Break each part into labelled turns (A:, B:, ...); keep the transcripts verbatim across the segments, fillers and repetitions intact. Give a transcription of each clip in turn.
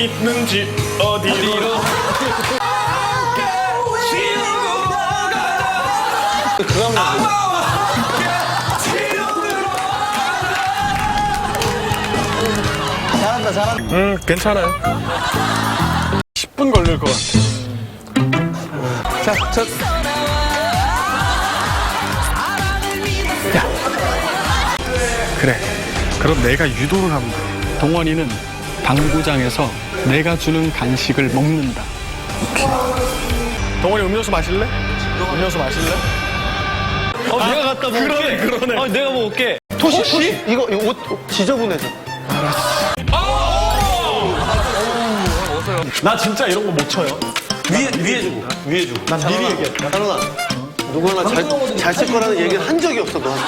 A: 있는지 어디로
B: 잘한다 잘한다.
A: 음 괜찮아요. 십 분 걸릴 것 같아.
B: 자, 저
A: 그래. 그럼 내가 유도를 하면 돼. 동원이는 당구장에서 내가 주는 간식을 먹는다. 오케이. 동원이 음료수 마실래? 음료수 마실래?
C: 어, 내가 갖다 먹을게.
A: 그러네, 그러네.
C: 어, 내가 먹을게.
B: 토시? 이거 이거 옷 지저분해져.
A: 나 진짜 이런 거 못 쳐요.
C: 위에, 위에 주고. 위에 주고.
A: 난 미리 얘기해.
B: 찬원아, 누구나 잘잘칠 거라는 얘기를 한 적이 없어 너한테.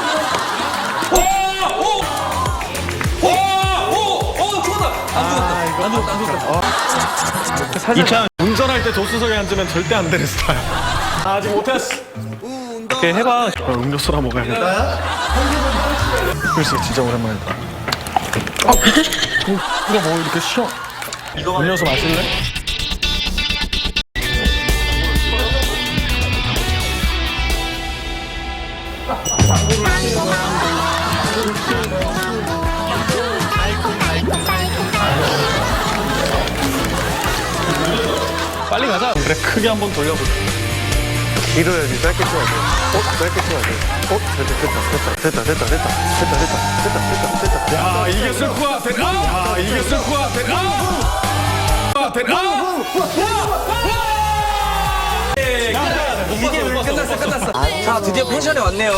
A: 이찬 운전할 때 조수석에 앉으면 절대 안 되는 스타일. 아, 아직 못했어.
C: 오케이, 해봐.
A: 어, 음료수나 먹어야겠다. 글쎄, 진짜 오랜만이다. 아, 이게? 이거 뭐 이렇게 쉬어? 음료수 마실래? 빨리 가자. 그래, 크게 한번 돌려보자.
B: 길어야지 짧게 쳐야 돼. 어? 짧게 쳐야 돼. 어? 됐다 됐다 됐다 됐다 됐다 됐다 됐다 됐다 됐다 됐다.
A: 야, 이게 슬프야. 됐다. 야, 이게 슬프야. 됐다. 됐다.
C: 끝났어, 끝났어. 자, 드디어 펜션에 왔네요.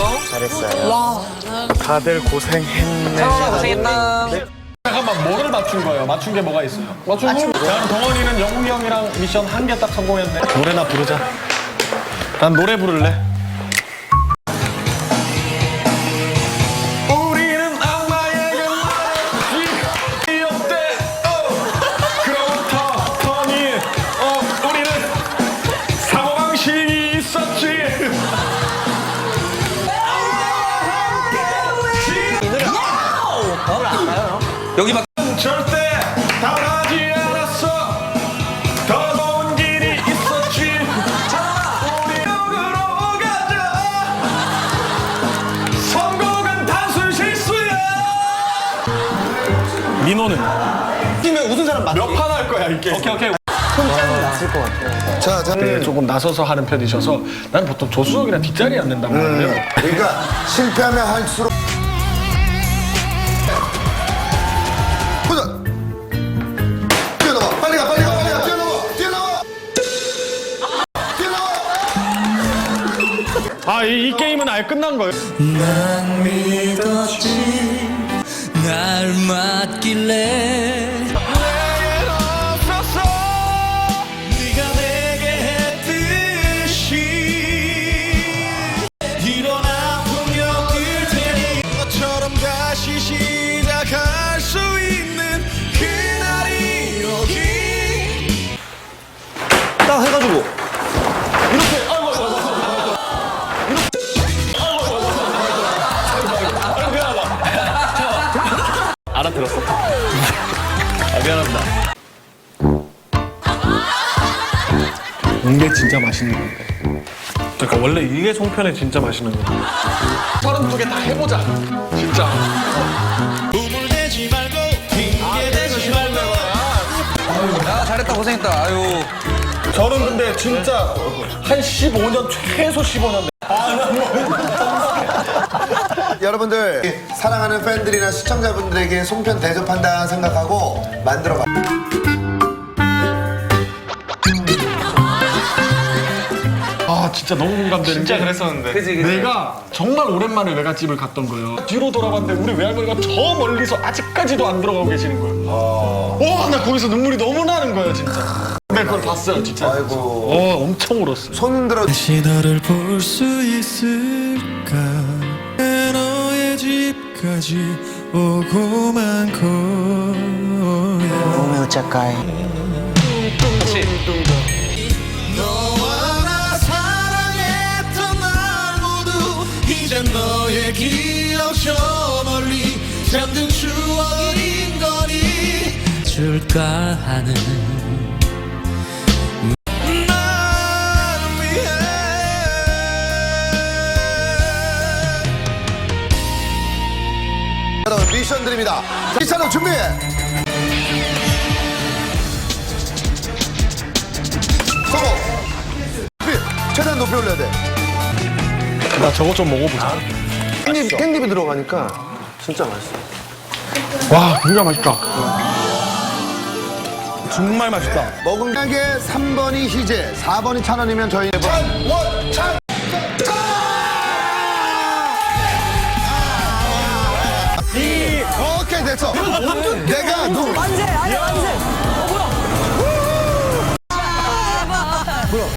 A: 다들 고생했네.
C: 고생했다.
A: 잠깐만, 뭐를 맞춘 거예요? 맞춘 게 뭐가 있어요? 맞춘 거? 자, 동원이는 영웅이 형이랑 미션 한 개 딱 성공했네. 노래나 부르자. 난 노래 부를래. 우리는 악마에게 기억돼. 그로부터 터니. 어, 우리는 사고방식이 있었지.
C: 여기 막.
A: 절대 당하지 않았어. 더 좋은 길이 있었지. 우리 역으로 가자. 성공은 단순 실수야. 민호는
B: 뛰면 웃은 사람 맞지?
A: 몇 판 할 거야 이게? 오케이 오케이.
B: 났을 것 같아. 자, 자.
A: 네, 조금 나서서 하는 편이셔서 난 보통 조수석이나 뒷자리에 앉는단 말이에요.
D: 그러니까 실패하면 할수록 보자. 뛰어나와. 빨리 가. 빨리 가. 빨리 가. 뛰어나와. 뛰어나와. 뛰어나와.
A: 아, 이, 이 게임은 아예 끝난 거예요.
E: 난 믿었지 날 맡길래
A: 내겐 없었어.
E: 네가 내게 했듯이 이런 아픔 겪을 테니 너처럼 다시 시작할 수 있는 그날이 여기
B: 딱 해가지고
A: 알아들었어. 아, 미안합니다. 이게 진짜 맛있는 건데. 그러니까 원래 이게 송편에 진짜 맛있는 건데. 서른두 개 다 해보자. 진짜.
E: 우물대지 말고 핑계대지 말고
C: 아, 잘했다, 고생했다. 아유.
A: 저는 근데 진짜 한 십오 년, 최소 십오 년.
D: 여러분들 사랑하는 팬들이나 시청자분들에게 송편 대접한다 생각하고 만들어봐.
A: 아, 진짜 너무 공감되는
C: 진짜
A: 게
C: 그랬었는데. 그치, 그치.
A: 내가 정말 오랜만에 외갓집을 갔던 거예요. 뒤로 돌아봤는데 우리 외할머니가 저 멀리서 아직까지도 안 들어가고 계시는 거예요. 와, 나 거기서 눈물이 너무 나는 거예요, 진짜. 근데 그걸 봤어요, 진짜.
D: 아이고.
A: 어, 엄청 울었어요.
D: 손 들어.
E: 다시 너를 볼 수 있을까 너의 집까지 오고만 거야
B: 몸에 어쩔까이.
E: 너와 나 사랑했던 날 모두 이젠 너의 기억 저 멀리 잠든 추억인 거니 해줄까 하는 나를 위해
D: 여러분 미션 드립니다. 미션을 준비해. 성공. 높이, 최대한 높이 올려야 돼.
A: 나 저거 좀 먹어보자.
B: 깻잎, 깻잎이 들어가니까 진짜 맛있어.
A: 와, 굉장히 맛있다. 정말 맛있다.
D: 먹은 가게 삼 번이 희재, 사 번이 찬원이면 저희 찬원찬 오케이 됐어.